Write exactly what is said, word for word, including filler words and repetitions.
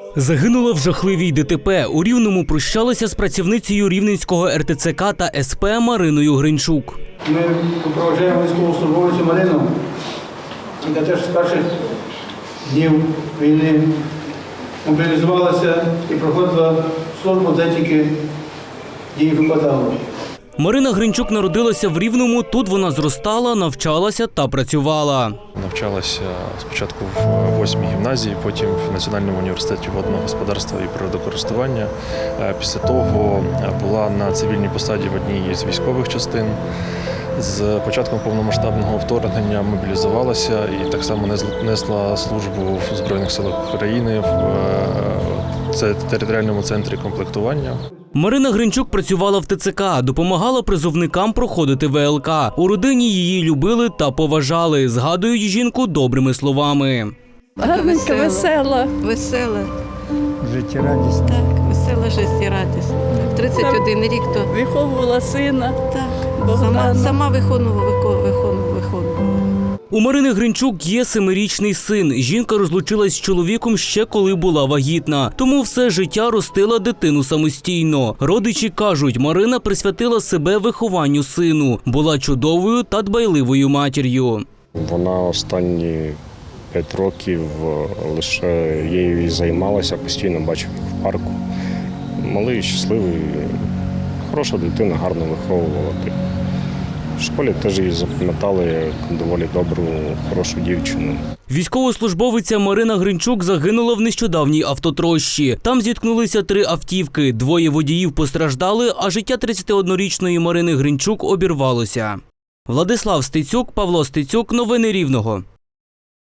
Загинула в жахливій ДТП. У Рівному прощалися з працівницею Рівненського ер те це ка та ес пе Мариною Гринчук. Ми проводжаємо військовослужбовицю Марину, яка теж з перших днів війни мобілізувалася і проходила службу, де тільки їй випадало. Марина Гринчук народилася в Рівному. Тут вона зростала, навчалася та працювала. Навчалася спочатку в восьмій гімназії, потім в Національному університеті водного господарства і природокористування. Після того була на цивільній посаді в одній з військових частин. З початком повномасштабного вторгнення мобілізувалася і так само несла службу в Збройних силах України в територіальному центрі комплектування. Марина Гринчук працювала в те це ка, допомагала призовникам проходити ве el ка. У родині її любили та поважали, згадують жінку добрими словами. Гарненька, весела. Весела. Життєрадісна. Так, весела життєрадісна. тридцять один рік то. Виховувала сина. Так, сама, сама виконувала, виконувала, виконувала. У Марини Гринчук є семирічний син. Жінка розлучилась з чоловіком ще коли була вагітна. Тому все життя ростила дитину самостійно. Родичі кажуть, Марина присвятила себе вихованню сину. Була чудовою та дбайливою матір'ю. Вона останні п'ять років лише нею і займалася, постійно бачив в парку. Малий, щасливий, хороша дитина, гарно виховувала. В школі теж її запам'ятали як доволі добру, хорошу дівчину. Військовослужбовиця Марина Гринчук загинула в нещодавній автотрощі. Там зіткнулися три автівки. Двоє водіїв постраждали, а життя тридцятиоднорічної Марини Гринчук обірвалося. Владислав Стецюк, Павло Стецюк. Новини Рівного.